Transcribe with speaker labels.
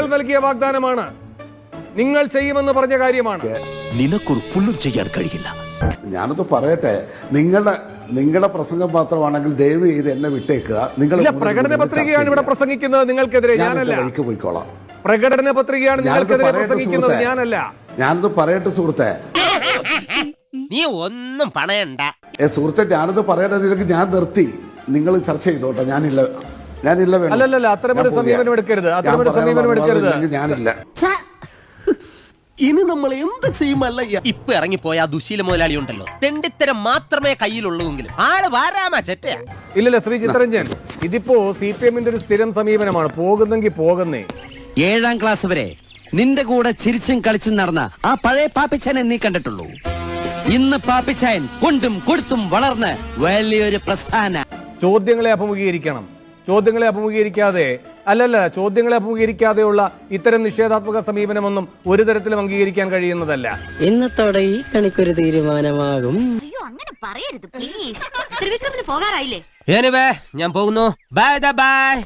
Speaker 1: നിങ്ങൾ നൽകിയ വാഗ്ദാനമാണ്, നിങ്ങൾ ചെയ്യുമെന്ന് പറഞ്ഞ കാര്യമാണ്.
Speaker 2: നിനക്കൊരു പുല്ലും ചെയ്യാൻ കഴിയില്ല.
Speaker 3: ഞാനത് പറയട്ടെ, നിങ്ങളുടെ പ്രസംഗം മാത്രമാണെങ്കിൽ ദയവ് ചെയ്ത് എന്നെ വിട്ടേക്കുക. നിങ്ങൾ
Speaker 1: പ്രകടന പത്രികയാണ് ഇവിടെ പ്രസംഗിക്കുന്നത്, നിങ്ങൾക്കെതിരെ ഞാനല്ല.
Speaker 3: വഴിക്ക് പോയിക്കോളാം.
Speaker 1: പ്രകടന പത്രികയാണ് നിങ്ങൾക്കെതിരെ പ്രസംഗിക്കുന്നത്, ഞാനല്ല.
Speaker 3: ഞാനത് പറയട്ടെ സുഹൃത്തെ.
Speaker 4: നീ ഒന്നും പണയണ്ട
Speaker 3: സുഹൃത്തെ, ഞാനത് പറയാനില്ലെങ്കിൽ ഞാൻ നിർത്തി. നിങ്ങൾ ചർച്ച ചെയ്തോട്ടെ. ഞാനില്ല.
Speaker 1: അല്ലല്ല, അത്തരമൊരു സമീപനം എടുക്കരുത്, അത്തരമൊരു സമീപനം എടുക്കരുത്.
Speaker 3: ഞാനില്ല.
Speaker 2: ഇനി നമ്മൾ എന്ത് ചെയ്യുമല്ലയ്യ?
Speaker 4: ഇപ്പൊ ഇറങ്ങിപ്പോയ ദുശീല മുതലാളി ഉണ്ടല്ലോ, തെണ്ടിത്തരം മാത്രമേ കയ്യിലുള്ളൂവെങ്കിലും ആള് വാരാമാ ചെറ്റയാ.
Speaker 1: ഇല്ലല്ല ശ്രീ ചിത്തരഞ്ജൻ, ഇതിപ്പോ CPM-ന്റെ ഒരു സ്ഥിരം സമീപനമാണ്. പോകുന്നെങ്കിൽ പോകുന്നേ.
Speaker 5: 7ാം ക്ലാസ് വരെ നിന്റെ കൂടെ ചിരിച്ചും കളിച്ചും നടന്ന ആ പഴയ പാപ്പിച്ചാനെ നീ കണ്ടിട്ടുള്ളൂ. ഇന്ന് പാപ്പിച്ചായൻ കൊണ്ടും കൊടുത്തും വളർന്ന് വലിയൊരു പ്രസ്ഥാന.
Speaker 1: ചോദ്യങ്ങളെ അഭിമുഖീകരിക്കണം. ചോദ്യങ്ങളെ അഭിമുഖീകരിക്കാതെയുള്ള ഇത്തരം നിഷേധാത്മക സമീപനമൊന്നും ഒരു തരത്തിലും അംഗീകരിക്കാൻ കഴിയുന്നതല്ല.
Speaker 6: ഇന്നത്തോടെ ഈ കണിക്കൊരു തീരുമാനമാകും.
Speaker 7: അയ്യോ, അങ്ങനെ പറയരുത് പ്ലീസ്. ത്രിവിക്രമിന് പോകാറായില്ലേ?
Speaker 4: ഞാൻ പോകുന്നു. Bye by.